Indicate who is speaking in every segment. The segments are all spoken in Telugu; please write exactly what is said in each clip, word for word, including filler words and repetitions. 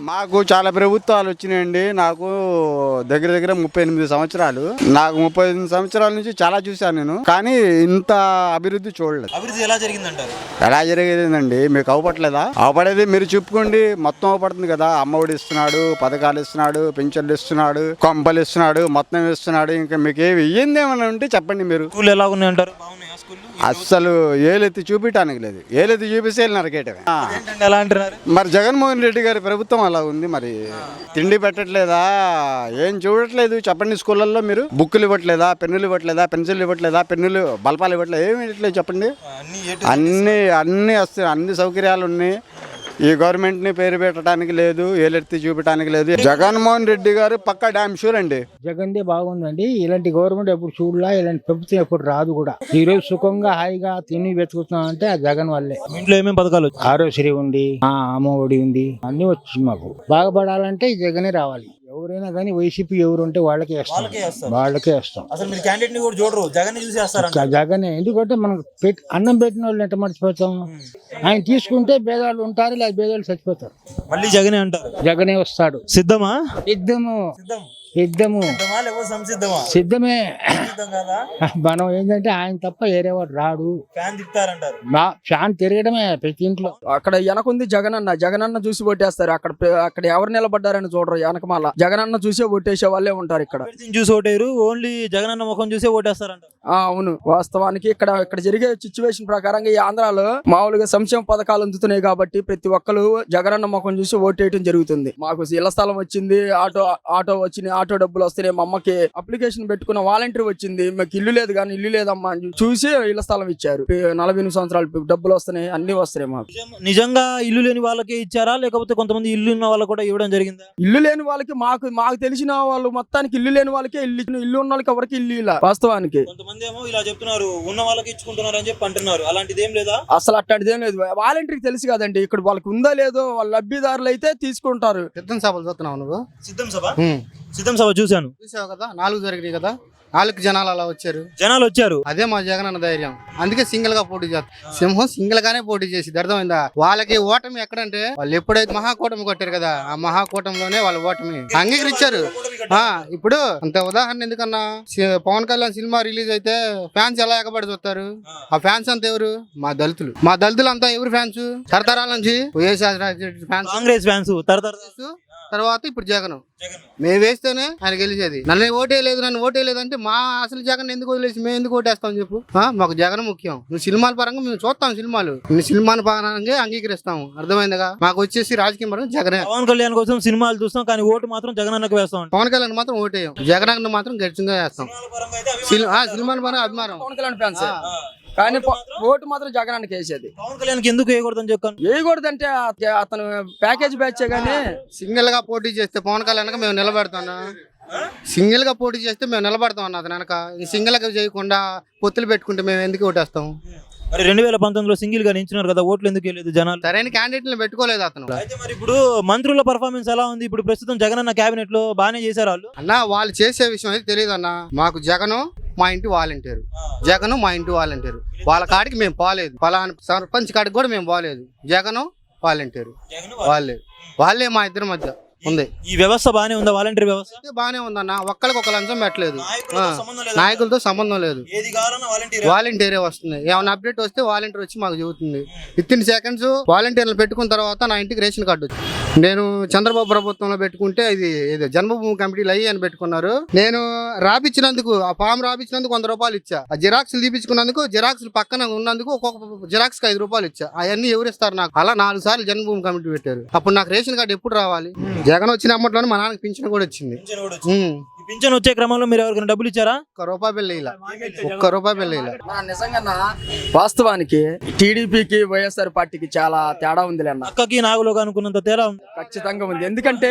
Speaker 1: మాకు చాలా ప్రభుత్వాలు వచ్చినాయండి. నాకు దగ్గర దగ్గర ముప్పై ఎనిమిది సంవత్సరాలు నాకు ముప్పై ఎనిమిది సంవత్సరాల నుంచి చాలా చూశాను నేను, కానీ ఇంత అభివృద్ధి చూడలేదు.
Speaker 2: అభివృద్ధి ఎలా జరిగిందంటారు?
Speaker 1: ఎలా జరిగేదండి? మీకు అవపట్లేదా? అవపడేది మీరు చెప్పుకోండి. మొత్తం అవపడుతుంది కదా. అమ్మఒడి ఇస్తున్నాడు, పథకాలు ఇస్తున్నాడు, పింఛన్లు ఇస్తున్నాడు, కొంపలు ఇస్తున్నాడు, మొత్తం ఇస్తున్నాడు. ఇంకా మీకు ఏమి ఇయ్యింది ఏమన్నా ఉంటే చెప్పండి. మీరు
Speaker 2: స్కూల్ ఎలా ఉన్నాయి అంటారు? బాగున్నాయా స్కూల్?
Speaker 1: అస్సలు ఏలెత్తి చూపించడానికి లేదు. ఏలెత్తి చూపిస్తే నరకేయటమే.
Speaker 2: ఎలా అంటున్నారు?
Speaker 1: మరి జగన్మోహన్ రెడ్డి గారి ప్రభుత్వం అలా ఉంది. మరి తిండి పెట్టట్లేదా? ఏం చూడట్లేదు చెప్పండి. స్కూళ్ళల్లో మీరు బుక్కులు ఇవ్వట్లేదా? పెన్నులు ఇవ్వట్లేదా? పెన్సిల్ ఇవ్వట్లేదా? పెన్నులు బల్పాలు ఇవ్వట్లేదు. ఏమి ఇవ్వట్లేదు చెప్పండి. అన్ని అన్ని వస్తాయి, అన్ని సౌకర్యాలు ఉన్నాయి. ఈ గవర్నమెంట్ ని పేరు పెట్టడానికి లేదు, ఏలెత్తి చూపించడానికి లేదు. జగన్మోహన్ రెడ్డి గారు పక్కా డామ్ షూర్ అండి.
Speaker 3: జగన్దే బాగుందండి. ఇలాంటి గవర్నమెంట్ ఎప్పుడు చూడలా, ఇలాంటి ప్రభుత్వం ఎప్పుడు రాదు కూడా. ఈ రోజు సుఖంగా హాయిగా తిని వెతుకుతున్నాం అంటే ఆ జగన్ వల్లే.
Speaker 2: ఇంట్లో ఏమేమి పథకాలు?
Speaker 3: ఆరోగ్యశ్రీ ఉంది, ఆ అమ్మ ఒడి ఉంది, అన్ని వచ్చింది. మాకు బాగుపడాలంటే ఈ జగనే రావాలి. ఎవరైనా కానీ వైసీపీ ఎవరు ఉంటే వాళ్ళకే వేస్తాం, వాళ్ళకే వేస్తాం.
Speaker 2: అసలు మీరు క్యాండిడేట్ ని కూడా చూడరు, జగన్ చూసి వేస్తారా?
Speaker 3: జగనే. ఎందుకంటే మనకు పెట్టి అన్నం పెట్టిన వాళ్ళు ఎంత మర్చిపోతాం. ఆయన తీసుకుంటే భేదాలు ఉంటారు, లేదా భేదాలు చచ్చిపోతారు.
Speaker 2: మళ్ళీ జగనే అంటారు.
Speaker 3: జగనే వస్తాడు.
Speaker 2: సిద్ధమా?
Speaker 3: సిద్ధము
Speaker 2: సిద్ధం
Speaker 3: సిద్ధము సిద్ధమే. మనం ఏంటంటే ఆయన తప్ప వేరేవాడు రాడు. ఫ్యాన్ తిరగడమే ప్రతి ఇంట్లో.
Speaker 4: అక్కడ వెనకుంది జగనన్న. జగనన్న చూసి ఓటేస్తారు. అక్కడ అక్కడ ఎవరు నిలబడ్డారని చూడరు. వెనకమాల జగనన్న చూసే ఓటేసే వాళ్ళే ఉంటారు. ఇక్కడ
Speaker 2: చూసి ఓటేరు, ఓన్లీ జగనన్న ముఖం చూసే ఓటేస్తారంట.
Speaker 4: అవును, వాస్తవానికి ఇక్కడ ఇక్కడ జరిగే సిచ్యువేషన్ ప్రకారంగా ఈ ఆంధ్రాలో మామూలుగా సంక్షేమ పథకాలు అందుతున్నాయి కాబట్టి ప్రతి ఒక్కరు జగనన్న ముఖం చూసి ఓటేయడం జరుగుతుంది. మాకు ఇళ్ల స్థలం వచ్చింది, ఆటో ఆటో వచ్చింది, ఆటో డబ్బులు వస్తున్నాయి. మా అమ్మకి అప్లికేషన్ పెట్టుకున్న వాలంటీర్ వచ్చింది. మాకు ఇల్లు లేదు కానీ ఇల్లు లేదమ్మా అని చూసి ఇళ్ల స్థలం ఇచ్చారు. నలభై ఎనిమిది సంవత్సరాలు డబ్బులు వస్తున్నాయి, అన్ని వస్తున్నాయి. మాకు
Speaker 2: నిజంగా ఇల్లు లేని వాళ్ళకి ఇచ్చారా, లేకపోతే కొంతమంది ఇల్లు ఉన్న వాళ్ళకి కూడా ఇవ్వడం జరిగిందా?
Speaker 4: ఇల్లు లేని వాళ్ళకి మాకు మాకు తెలిసిన వాళ్ళు మొత్తానికి ఇల్లు లేని వాళ్ళకే ఇల్లు, ఇల్లు ఉన్న వాళ్ళకి ఎవరికి ఇల్లు ఇలా. వాస్తవానికి
Speaker 2: కొంతమంది ఏమో ఇలా చెప్తున్నారు, ఉన్న వాళ్ళకి ఇచ్చుకుంటున్నారు అని చెప్పి అంటున్నారు. అలాంటిది ఏం లేదా?
Speaker 4: అసలు అట్లాంటిది ఏం లేదు. వాలంటీర్కి తెలుసు కదండి ఇక్కడ వాళ్ళకి ఉందా లేదో. వాళ్ళ లబ్ధిదారులు అయితే తీసుకుంటారు.
Speaker 5: సిద్ధం సభలు చూస్తున్నావు నువ్వు?
Speaker 2: సిద్ధం సభ సిద్ధం సభ చూశాను.
Speaker 5: చూసావు కదా, నాలుగు జరిగినాయి కదా. నాలుగు జనాలు అలా వచ్చారు,
Speaker 2: జనాలు వచ్చారు.
Speaker 5: అదే మా జగన్ అన్న ధైర్యం. అందుకే సింగిల్ గా పోటీ చేస్తారు. సింహం సింగిల్ గానే పోటీ చేసి అర్థమైందా? వాళ్ళకి ఓటమి ఎక్కడంటే వాళ్ళు ఎప్పుడైతే మహాకూటమి కొట్టారు కదా, ఆ మహాకూటమిలోనే వాళ్ళ ఓటమి అంగీకరించారు. ఆ ఇప్పుడు అంత ఉదాహరణ ఎందుకన్నా, పవన్ కళ్యాణ్ సినిమా రిలీజ్ అయితే ఫ్యాన్స్ ఎలా ఎగబడి చూస్తారు? ఆ ఫ్యాన్స్ అంతా ఎవరు? మా దళితులు. మా దళితులు అంతా ఎవరు ఫ్యాన్స్? తరతరాల నుంచి వైఎస్ఆర్ ఫ్యాన్స్,
Speaker 2: కాంగ్రెస్ ఫ్యాన్స్,
Speaker 5: తర్వాత ఇప్పుడు జగన్. మేము వేస్తేనే ఆయన గెలిచేది. నన్ను ఓటేయలేదు, నన్ను ఓటేయలేదు అంటే మా అసలు జగన్ ఎందుకు వదిలేసి మేము ఎందుకు ఓటేస్తాం చెప్పు? మాకు జగన్ ముఖ్యం. నువ్వు సినిమాల పరంగా మేము చూస్తాం, సినిమాలు సినిమాల పరంగా అంగీకరిస్తాము. అర్థమైందిగా? మాకు వచ్చేసి రాజకీయ పరంగా జగనే.
Speaker 2: పవన్ కళ్యాణ్ కోసం సినిమాలు చూస్తాం, కానీ ఓటు మాత్రం జగన్ అన్నకు వేస్తాం.
Speaker 5: పవన్ కళ్యాణ్ మాత్రం ఓటేయం, జగన్ అన్న మాత్రం గట్టిగా వేస్తాం. సినిమాల పరంగా అభిమానం
Speaker 4: పవన్ కళ్యాణ్ ఫ్యాన్స్, కానీ ఓటు మాత్రం జగనానికి వేసేది.
Speaker 2: పవన్ కళ్యాణ్ ఎందుకు వేయకూడదని చెప్పాను.
Speaker 4: వేయకూడదంటే అతను ప్యాకేజ్ బ్యాచ్ గానీ
Speaker 5: సింగిల్ గా పోటీ చేస్తే పవన్ కళ్యాణ్ మేము నిలబెడతాను. సింగిల్ గా పోటీ చేస్తే మేము నిలబడతాం అన్న అతను వెనక. సింగిల్ గా చేయకుండా పొత్తులు పెట్టుకుంటే మేము ఎందుకు ఓటేస్తాం?
Speaker 2: మరి రెండు వేల పంతొమ్మిదిలో సింగిల్ గా నించున్నారు కదా, ఓట్లు ఎందుకు వెళ్ళలేదు జనాలు?
Speaker 5: సరైన క్యాండిడేట్ పెట్టుకోలేదు అతను.
Speaker 2: అయితే మరి ఇప్పుడు మంత్రుల పర్ఫార్మెన్స్ ఎలా ఉంది? ఇప్పుడు ప్రస్తుతం జగన్ అన్న కేబినెట్ లో బాగానే చేశారు వాళ్ళు.
Speaker 5: అన్న వాళ్ళు చేసే విషయం అయితే తెలియదు అన్న. మాకు జగను మా ఇంటి వాలంటీర్, జగను మా ఇంటి వాలంటీర్. వాళ్ళ కాడికి మేము పోలేదు, పలానా సర్పంచ్ కాడికి కూడా మేము పోలేదు. జగను వాలంటీర్ వాళ్ళే వాళ్ళే మా ఇద్దరి మధ్య ఉంది.
Speaker 2: ఈ వ్యవస్థ బానే ఉందా? వాలంటీర్ వ్యవస్థ
Speaker 5: బానే ఉందన్న. ఒక్కరికి ఒక లంచం పెట్టలేదు, నాయకులతో సంబంధం లేదు. వాలంటీరే వస్తుంది. ఏమైనా అప్డేట్ వస్తే వాలంటీర్ వచ్చి మాకు చెబుతుంది. విత్ ఇన్ సెకండ్స్ వాలంటీర్లు పెట్టుకున్న తర్వాత నా ఇంటికి రేషన్ కార్డు వచ్చింది. నేను చంద్రబాబు ప్రభుత్వంలో పెట్టుకుంటే ఇది ఇది జన్మభూమి కమిటీలు అయ్యి అని పెట్టుకున్నారు. నేను రాపించినందుకు, ఆ ఫామ్ రాపించినందుకు వంద రూపాయలు ఇచ్చా. ఆ జిరాక్స్లు తీపించుకున్నందుకు, జిరాక్స్లు పక్కన ఉన్నందుకు ఒక్కొక్క జిరాక్స్ కి ఐదు రూపాయలు ఇచ్చా. అవన్నీ ఎవరు ఇస్తారు నాకు? అలా నాలుగు సార్లు జన్మభూమి కమిటీ పెట్టారు. అప్పుడు నాకు రేషన్ కార్డు ఎప్పుడు రావాలి? జగన్ వచ్చిన అమ్మట్లోనే మా నాన్నకి పింఛన్ కూడా వచ్చింది.
Speaker 2: పింఛన్ వచ్చే క్రమంలో మీరు ఎవరికైనా డబ్బులు ఇచ్చారా?
Speaker 5: ఒక్క రూపాయి బిల్లు ఇలా, ఒక్క రూపాయి బిల్లు ఇలా.
Speaker 4: నిజంగా వాస్తవానికి టీడీపీకి వైఎస్ఆర్ పార్టీకి చాలా తేడా ఉంది.
Speaker 2: అక్కకి నాగులోకి అనుకున్నంత తేడా ఉంది.
Speaker 4: ఖచ్చితంగా ఉంది. ఎందుకంటే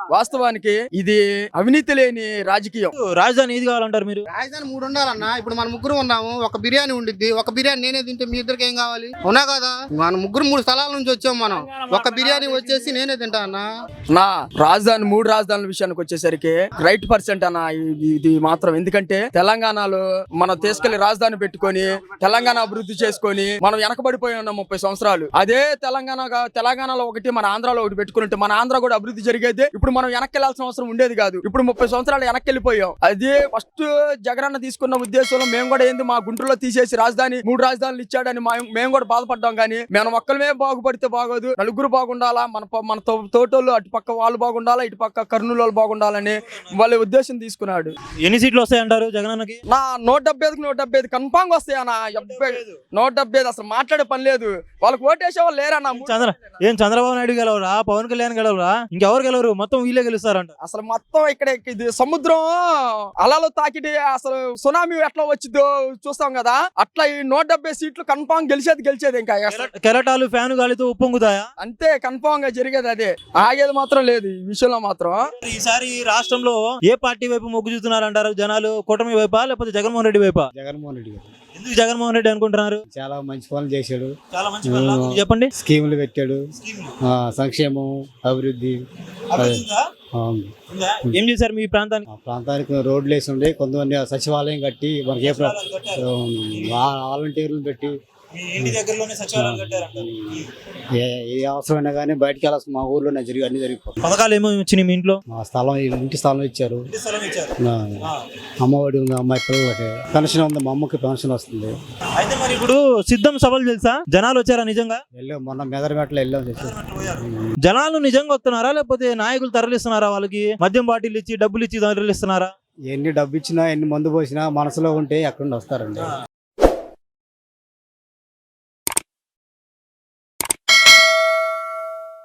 Speaker 4: వాస్తవానికి ఇది అవినీతి లేని రాజకీయం.
Speaker 2: రాజధాని ఏది కావాలంటారు మీరు?
Speaker 5: రాజధాని మూడు ఉండాలన్నా. ఇప్పుడు మన ముగ్గురు ఉన్నాము, ఒక బిర్యానీ ఉండిద్ది. ఒక బిర్యానీ నేనే తింటే మీ ఇద్దరికి ఏం కావాలి? అవునా కదా? మన ముగ్గురు మూడు స్థలాల నుంచి వచ్చాం మనం. ఒక బిర్యానీ వచ్చేసి నేనే తింటా అన్న.
Speaker 4: నా రాజధాని మూడు రాజధానుల విషయానికి వచ్చేసరికి రైట్ పర్సెంట్ అన్న ఇది ఇది మాత్రం. ఎందుకంటే తెలంగాణలో మనం తీసుకెళ్లి రాజధాని పెట్టుకొని తెలంగాణ అభివృద్ధి చేసుకొని మనం వెనకబడిపోయి ఉన్నాం ముప్పై సంవత్సరాలు. అదే తెలంగాణ తెలంగాణలో ఒకటి, మన ఆంధ్రాలో ఒకటి పెట్టుకుంటే మన ఆంధ్ర కూడా అభివృద్ధి జరిగేది. ఇప్పుడు మనం వెనక్కి వెళ్లాల్సిన అవసరం ఉండేది కాదు. ఇప్పుడు ముప్పై సంవత్సరాలు వెనక్కి వెళ్ళిపోయాం. అదే ఫస్ట్ జగనన్న తీసుకున్న ఉద్దేశంలో మేము కూడా ఏంది, మా గుంటూరులో తీసేసి రాజధాని మూడు రాజధానులు ఇచ్చాడని మేము కూడా బాధపడ్డాం. కానీ మనం ఒక్కలమే బాగుపడితే బాగోదు, నలుగురు బాగుండాలా, మన మన తోటోళ్ళు అటు పక్క వాళ్ళు బాగుండాలా, ఇటు పక్క కర్నూలు వాళ్ళు బాగుండాలని వాళ్ళ ఉద్దేశం తీసుకున్నాడు.
Speaker 2: ఎన్ని సీట్లు వస్తాయంటారు జగనన్నకి?
Speaker 4: నా నూట డెబ్బై ఐదుకి నూట డెబ్బై ఐదు కన్ఫామ్ వస్తాయి అన్న. నూట డెబ్బై ఐదు అసలు మాట్లాడే పని లేదు. వాళ్ళకి ఓటేసే వాళ్ళు లేరన్న.
Speaker 2: చంద్ర ఏం చంద్రబాబు నాయుడు గెలవరా, పవన్ కళ్యాణ్ గెలవరా, ఇంకెవరు గెలవరు, మొత్తం వీళ్ళే గెలుస్తారంట.
Speaker 4: అసలు మొత్తం ఇక్కడ ఇది సముద్రం అలలు తాకిటి అసలు సునామీ ఎట్లా వచ్చిందో చూస్తాం కదా, అట్లా ఈ నూట డెబ్బై సీట్లు కన్ఫామ్ గెలిచేది గెలిచేది ఇంకా
Speaker 2: కెరటాలు ఫ్యాన్ గాలితో ఉప్పొంగుతాయా?
Speaker 4: అంతే, కన్ఫామ్ గా జరిగేది అదే. ఆగేది మాత్రం లేదు ఈ విషయంలో మాత్రం.
Speaker 2: ఈసారి రాష్ట్రంలో ఏ పార్టీ వైపు మొగ్గు చూస్తున్నారంటారు జనాలు? కూటమి వైపా లేకపోతే జగన్మోహన్ రెడ్డి వైపా?
Speaker 3: జగన్మోహన్ రెడ్డి గారు.
Speaker 2: ఎందుకు జగన్మోహన్ రెడ్డి అనుకుంటున్నారు?
Speaker 3: చాలా మంచి పనులు చేశాడు.
Speaker 2: చాలా మంచి పనులు చెప్పండి.
Speaker 3: స్కీములు పెట్టాడు, ఆ, సంక్షేమం, అభివృద్ధి.
Speaker 2: ఏం చేశారు మీ ప్రాంతానికి?
Speaker 3: ఆ ప్రాంతానికి రోడ్లు వేసి ఉండే, కొంతమంది సచివాలయం కట్టి మనకి ఏ వాలంటీర్లు పెట్టి
Speaker 2: ఇంటి దగ్గరలోనే సచివాలయాలు కట్టారంట.
Speaker 3: ఏ ఏ అవసరమైనా కానీ బయటకు వెళ్ళాల్సిన మా ఊర్లోనే జరిగి అన్ని జరిగిపోతాయి.
Speaker 2: పథకాలు ఏమో వచ్చినాయి మీ ఇంట్లో?
Speaker 3: మా స్థలం, ఇంటి స్థలం ఇచ్చారు. అమ్మఒడి ఉంది, అమ్మాయి పిల్లలకి పెన్షన్ ఉంది, మా అమ్మకి పెన్షన్ వస్తుంది.
Speaker 2: అయితే మరి ఇప్పుడు సిద్ధం సభలు తెలుసా? జనాలు వచ్చారా నిజంగా?
Speaker 3: వెళ్ళాం, మొన్న మెదరమెట్లో వెళ్ళాం.
Speaker 2: జనాలు నిజంగా వస్తున్నారా లేకపోతే నాయకులు తరలిస్తున్నారా? వాళ్ళకి మద్యం బాటిల్ ఇచ్చి డబ్బులు ఇచ్చి తరలిస్తున్నారా?
Speaker 3: ఎన్ని డబ్బు ఇచ్చినా ఎన్ని మందు పోసినా మనసులో ఉంటే ఎక్కడ వస్తారండి.